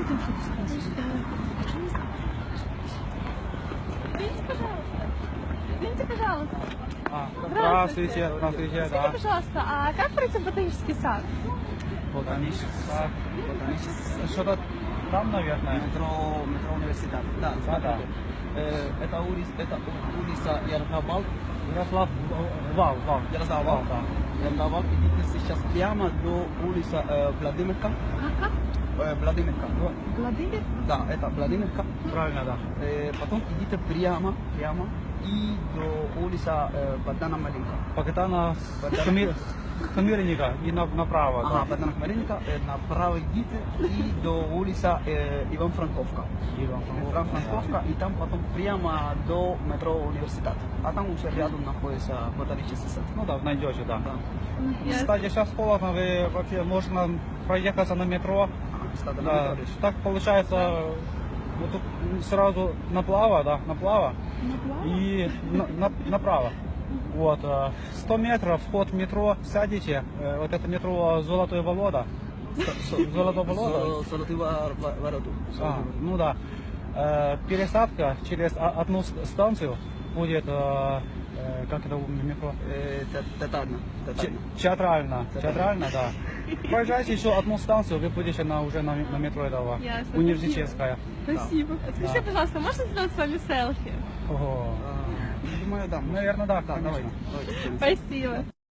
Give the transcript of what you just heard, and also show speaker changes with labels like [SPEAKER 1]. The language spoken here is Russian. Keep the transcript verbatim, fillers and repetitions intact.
[SPEAKER 1] хотим что-то спросить.
[SPEAKER 2] Извините, пожалуйста. Извините, пожалуйста.
[SPEAKER 3] А, здравствуйте, здравствуйте,
[SPEAKER 2] Скажите,
[SPEAKER 3] да.
[SPEAKER 2] пожалуйста, а как пройти в ботанический сад?
[SPEAKER 3] Ботанический сад.
[SPEAKER 4] Ботанический сад.
[SPEAKER 3] Что-то там, наверное.
[SPEAKER 4] Метро, метро университет. Да,
[SPEAKER 3] Да, да.
[SPEAKER 4] Э, это улица, это улица Ярослав,
[SPEAKER 3] Ярослав Вал, Вал.
[SPEAKER 4] Ярослав,
[SPEAKER 3] Вал, да.
[SPEAKER 4] Ярослав, идите сейчас прямо до улицы э, Владимирка.
[SPEAKER 2] Как, как?
[SPEAKER 4] Э, Владимирка.
[SPEAKER 2] Владимир?
[SPEAKER 4] Да, это Владимирка.
[SPEAKER 3] Правильно, да.
[SPEAKER 4] Э, потом идите прямо, прямо и до улицы э, Богдана Маленко.
[SPEAKER 3] Богдана Хмельника и на, направо.
[SPEAKER 4] Ага,
[SPEAKER 3] Да.
[SPEAKER 4] Богдана Маленко, э, направо идите и до улицы э, Иван Франковка.
[SPEAKER 3] Иван
[SPEAKER 4] Иван Франковка, и там потом прямо до метро университет. А там уже рядом находится ботанический сад.
[SPEAKER 3] Ну да, найдете, да.
[SPEAKER 4] Да.
[SPEAKER 3] Кстати, сейчас холодно, вы вообще можно проехаться на метро.
[SPEAKER 4] Ага, кстати, на
[SPEAKER 3] Да.
[SPEAKER 4] метро лишь.
[SPEAKER 3] Так получается, вот тут сразу направо, да, направо и на- на- направо. Вот, э, сто метров, вход в метро, сядете, э, вот это метро Золотое Волода. С- Золотое Волода.
[SPEAKER 4] Со- Золотые во- во- ворота.
[SPEAKER 3] А, ну да. Э, пересадка через о- одну с- станцию будет, э, э, как это у метро?
[SPEAKER 4] Э, те- Тетарно.
[SPEAKER 3] Че-
[SPEAKER 4] Тетарно.
[SPEAKER 3] Театрально, театрально, да. Проезжайте еще одну станцию, вы будете на, уже на, на метро этого,
[SPEAKER 2] Ясно,
[SPEAKER 3] университетская.
[SPEAKER 2] Спасибо. Скажите, пожалуйста, можно сделать с вами селфи?
[SPEAKER 3] Ого.
[SPEAKER 4] А, Думаю, да.
[SPEAKER 3] Наверное, да,
[SPEAKER 4] Да,
[SPEAKER 3] конечно.
[SPEAKER 4] давайте. Давайте.
[SPEAKER 2] Спасибо.